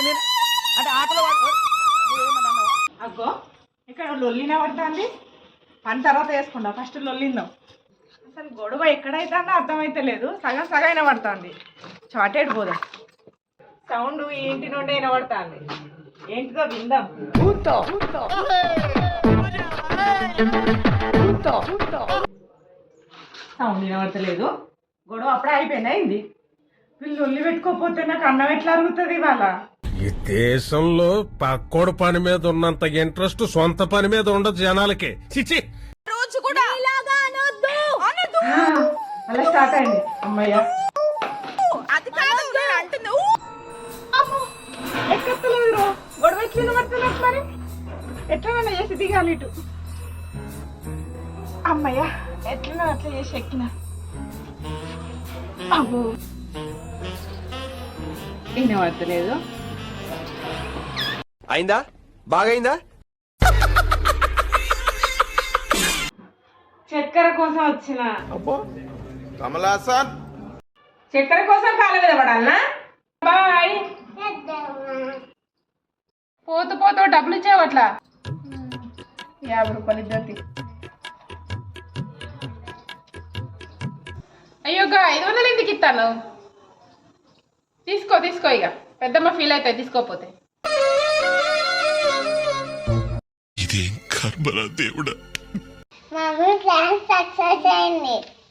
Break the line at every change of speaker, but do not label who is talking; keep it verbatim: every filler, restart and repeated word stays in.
అంటే ఆటలో
అగ్గో ఇక్కడ లొల్లిన పడుతుంది. పని తర్వాత వేసుకుంటా, ఫస్ట్ లొల్లిందాం. అసలు గొడవ ఎక్కడైతుందో అర్థమైతే లేదు, సగం సగం వినబడుతుంది. చాటేడు పోదాం. సౌండ్ ఏంటి నుండి వినబడుతుంది, ఏంటిదో విందాం. సౌండ్ వినబడతలేదు, గొడవ అప్పుడే అయిపోయింది. అయింది వీళ్ళు లొల్లి పెట్టుకోకపోతే నాకు అన్నం ఎట్లా అరుగుతుంది ఇవాళ?
ఈ దేశంలో పక్కోడు పని మీద ఉన్నంత ఇంట్రెస్ట్ సొంత పని మీద ఉండదు జనాలకి. చిచి
రోజు కూడా
అలా స్టార్ట్ అయింది. అమ్మయ్య
అది కాదు అంటున్నావు.
ఎక్కలేదు గొడవ ఎట్లా పడుతున్నట్టు, మరి ఎట్లా చేసి దిగాలి ఇటు. అమ్మయ్య ఎట్లా అట్లా చేసి ఎక్కిన. అబ్బో వినబడతలేదు.
అయిందా? బాగైందా?
చక్కెర కోసం వచ్చిన.
కమలాసన్
చక్కెర కోసం కాళ్ళ మీద పడాలనా? బాయ్. పోతూ పోతూ డబ్బులు ఇచ్చావు అట్లా. యాభై రూపాయలు ఇద్దరికి. అయ్యోగా ఐదు వందలు ఎందుకు ఇస్తాను? తీసుకో తీసుకో, ఇక పెద్దమ్మ ఫీల్ అవుతాయి తీసుకోపోతే.
ఇదేం కర్మరా దేవుడా.
మమ్మీ ప్లాన్ సక్సెస్ అయింది.